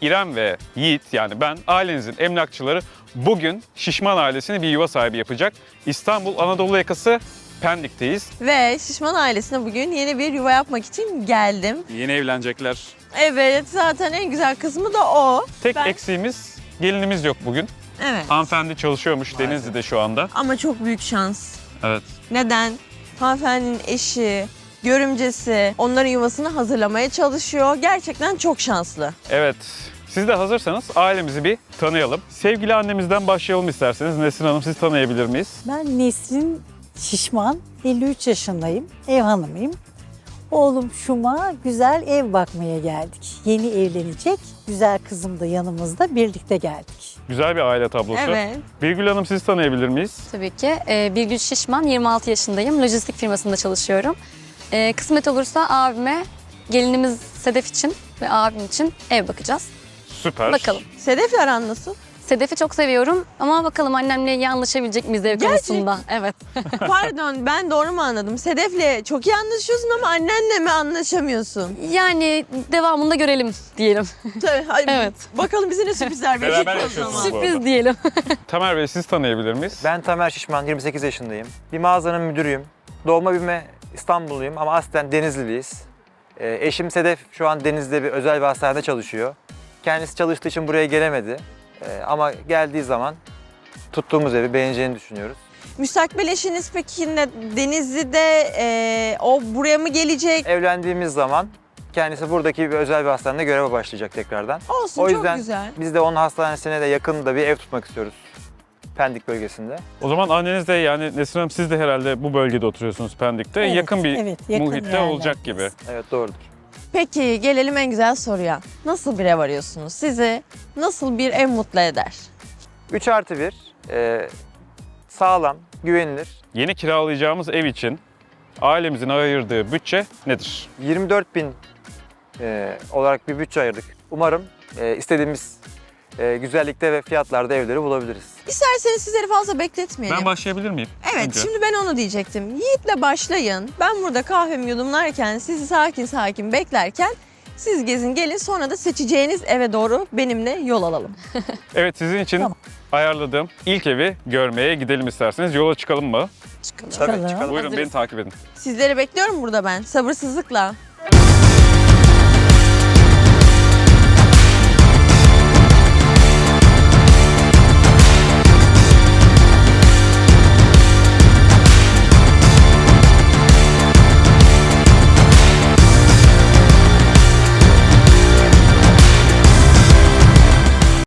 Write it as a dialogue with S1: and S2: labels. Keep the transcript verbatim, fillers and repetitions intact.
S1: İrem ve Yiğit, yani ben, ailenizin emlakçıları bugün Şişman ailesini bir yuva sahibi yapacak. İstanbul Anadolu yakası Pendik'teyiz.
S2: Ve Şişman ailesine bugün yeni bir yuva yapmak için geldim.
S1: Yeni evlenecekler.
S2: Evet, zaten en güzel kısmı da o.
S1: Tek
S2: Ben-
S1: eksiğimiz gelinimiz yok bugün.
S2: Evet.
S1: Hanımefendi çalışıyormuş Denizli'de şu anda.
S2: Ama çok büyük şans.
S1: Evet.
S2: Neden? Hanımefendinin eşi, görümcesi onların yuvasını hazırlamaya çalışıyor. Gerçekten çok şanslı.
S1: Evet. Siz de hazırsanız ailemizi bir tanıyalım. Sevgili annemizden başlayalım isterseniz. Nesrin Hanım, siz tanıyabilir miyiz?
S3: Ben Nesrin Şişman, elli üç yaşındayım, ev hanımıyım. Oğlum Şum'a güzel ev bakmaya geldik. Yeni evlenecek, güzel kızım da yanımızda, birlikte geldik.
S1: Güzel bir aile tablosu.
S2: Evet.
S1: Birgül Hanım, siz tanıyabilir miyiz?
S4: Tabii ki. Ee, Birgül Şişman, yirmi altı yaşındayım. Lojistik firmasında çalışıyorum. Ee, kısmet olursa abime, gelinimiz Sedef için ve abim için ev bakacağız.
S1: Süper.
S4: Bakalım.
S2: Sedef'le aran nasıl?
S4: Sedef'i çok seviyorum ama bakalım annemle iyi anlaşabilecek miyiz ev
S2: Gerçek-
S4: konusunda? Evet.
S2: Pardon, ben doğru mu anladım? Sedef'le çok iyi anlaşıyorsun ama annenle mi anlaşamıyorsun?
S4: Yani devamında görelim diyelim.
S2: Tabii. Hadi
S4: Evet.
S2: Bakalım bize ne sürprizler verecek
S1: Beraber
S2: o
S1: yaşıyorsunuz
S2: zaman.
S1: bu arada.
S4: Sürpriz diyelim.
S1: Tamer Bey, siz tanıyabilir miyiz?
S5: Ben Tamer Şişman, yirmi sekiz yaşındayım. Bir mağazanın müdürüyüm. Doğma büyüme İstanbulluyum ama aslen Denizliliyiz. Ee, eşim Sedef şu an Denizli'de bir özel bir hastanede çalışıyor. Kendisi çalıştığı için buraya gelemedi. Ee, ama geldiği zaman tuttuğumuz evi beğeneceğini düşünüyoruz.
S2: Müstakbel eşiniz peki ne, Denizli'de e, o buraya mı gelecek?
S5: Evlendiğimiz zaman kendisi buradaki bir özel bir hastanede göreve başlayacak tekrardan.
S2: Olsun,
S5: O
S2: çok
S5: yüzden
S2: güzel.
S5: biz de onun hastanesine de yakında bir ev tutmak istiyoruz. Pendik bölgesinde.
S1: O zaman anneniz de, yani Nesrin Hanım, siz de herhalde bu bölgede oturuyorsunuz, Pendik'te.
S3: Evet,
S1: yakın bir
S3: evet, yakın
S1: muhitte
S3: yerlerdeyiz.
S1: olacak gibi.
S5: Evet, doğrudur.
S2: Peki gelelim en güzel soruya. Nasıl bir ev arıyorsunuz? Sizi nasıl bir ev mutlu eder?
S5: üç artı bir, e, sağlam, güvenilir.
S1: Yeni kiralayacağımız ev için ailemizin ayırdığı bütçe nedir?
S5: yirmi dört bin e, olarak bir bütçe ayırdık. Umarım e, istediğimiz e, güzellikte ve fiyatlarda evleri bulabiliriz.
S2: İsterseniz sizleri fazla bekletmeyelim.
S1: Ben başlayabilir miyim?
S2: Evet,
S1: Önce.
S2: şimdi ben onu diyecektim. Yiğit'le başlayın. Ben burada kahvemi yudumlarken, sizi sakin sakin beklerken siz gezin gelin, sonra da seçeceğiniz eve doğru benimle yol alalım.
S1: Evet, sizin için
S3: Tamam.
S1: ayarladığım ilk evi görmeye gidelim isterseniz. Yola çıkalım mı?
S4: Çıkalım.
S5: Tabii
S3: Çıkalım.
S5: çıkalım.
S1: Buyurun,
S2: Hazırız.
S1: beni takip edin.
S2: Sizleri bekliyorum burada ben, sabırsızlıkla.